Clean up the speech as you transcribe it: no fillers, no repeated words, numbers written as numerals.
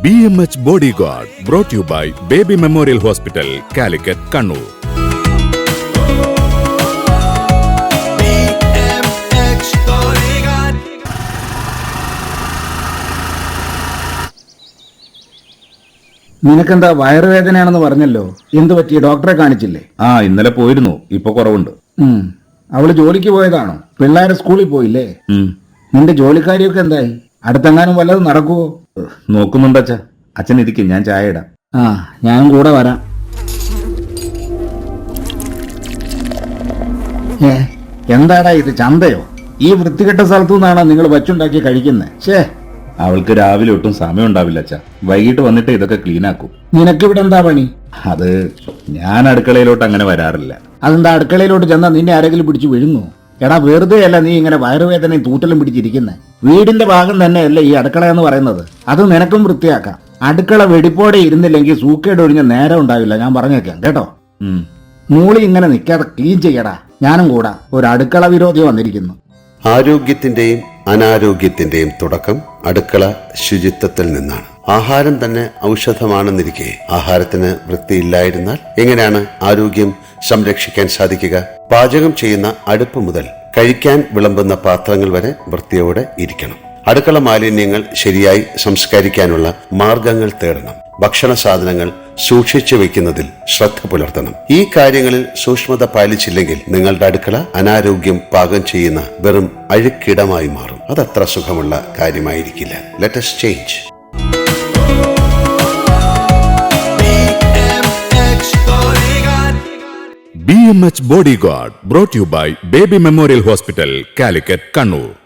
BMH Bodyguard brought to you by Baby Memorial Hospital, Calicut, Kannur. BMH Bodyguard. നിനക്കെന്താ വയറുവേദനയാണെന്ന് പറഞ്ഞല്ലോ, എന്ത് പറ്റി? ഡോക്ടറെ കാണിച്ചില്ലേ? ഇന്നലെ പോയിരുന്നു, ഇപ്പൊ കുറവുണ്ട്. അവള് ജോലിക്ക് പോയതാണോ? പിള്ളേരെ സ്കൂളിൽ പോയില്ലേ? നിന്റെ ജോലിക്കാരിയൊക്കെ എന്തായി? അടുത്തെങ്ങാനും വല്ലതും നടക്കുവോ? നോക്കുന്നുണ്ട് അച്ഛാ. അച്ഛൻ ഇരിക്കും, ഞാൻ ചായ ഇടാം. ഞാനും കൂടെ വരാം. എന്താടാ ഇത്, ചന്തയോ? ഈ വൃത്തികെട്ട സ്ഥലത്തു നിന്നാണോ നിങ്ങൾ വച്ചുണ്ടാക്കി കഴിക്കുന്നത്? അവൾക്ക് രാവിലെ ഒട്ടും സമയം ഉണ്ടാവില്ല അച്ഛാ. വൈകിട്ട് വന്നിട്ട് ഇതൊക്കെ ക്ലീൻ ആക്കും. നിനക്കിവിടെ എന്താ പണി? അത് ഞാൻ അടുക്കളയിലോട്ട് അങ്ങനെ വരാറില്ല. അതെന്താ, അടുക്കളയിലോട്ട് ചെന്നാ നിന്നെ ആരെങ്കിലും പിടിച്ച് വിഴുങ്ങോ? എടാ, വെറുതെ അല്ല നീ ഇങ്ങനെ വയറുവേദനയും തൂറ്റലും പിടിച്ചിരിക്കുന്നത്. വീടിന്റെ ഭാഗം തന്നെയല്ലേ ഈ അടുക്കള എന്ന് പറയുന്നത്. അത് നിനക്കും വൃത്തിയാക്കാം. അടുക്കള വെടിപ്പോടെ ഇരുന്നില്ലെങ്കിൽ സൂക്കേട് ഒഴിഞ്ഞ നേരം ഉണ്ടാവില്ല, ഞാൻ പറഞ്ഞേക്കാം കേട്ടോ. മൂളി ഇങ്ങനെ നിൽക്കാതെ ക്ലീൻ ചെയ്യടാ. ഞാനും കൂടാ. ഒരു അടുക്കള വിരോധി വന്നിരിക്കുന്നു. ആരോഗ്യത്തിന്റെയും അനാരോഗ്യത്തിന്റെയും തുടക്കം അടുക്കള ശുചിത്വത്തിൽ നിന്നാണ്. ആഹാരം തന്നെ ഔഷധമാണെന്നിരിക്കെ ആഹാരത്തിന് വൃത്തിയില്ലായിരുന്നാൽ എങ്ങനെയാണ് ആരോഗ്യം സംരക്ഷിക്കാൻ സാധിക്കുക? പാചകം ചെയ്യുന്ന അടുപ്പ് മുതൽ കഴിക്കാൻ വിളമ്പുന്ന പാത്രങ്ങൾ വരെ വൃത്തിയോടെ ഇരിക്കണം. അടുക്കള മാലിന്യങ്ങൾ ശരിയായി സംസ്കരിക്കാനുള്ള മാർഗങ്ങൾ തേടണം. ഭക്ഷണ സാധനങ്ങൾ സൂക്ഷിച്ചു വെക്കുന്നതിൽ ശ്രദ്ധ പുലർത്തണം. ഈ കാര്യങ്ങളിൽ സൂക്ഷ്മത പാലിച്ചില്ലെങ്കിൽ നിങ്ങളുടെ അടുക്കള അനാരോഗ്യം പാകം ചെയ്യുന്ന വെറും അഴുക്കിടമായി മാറും. അതത്ര സുഖമുള്ള കാര്യമായിരിക്കില്ല. Let us change. BMH Bodyguard brought to you by Baby Memorial Hospital, Calicut, Kannur.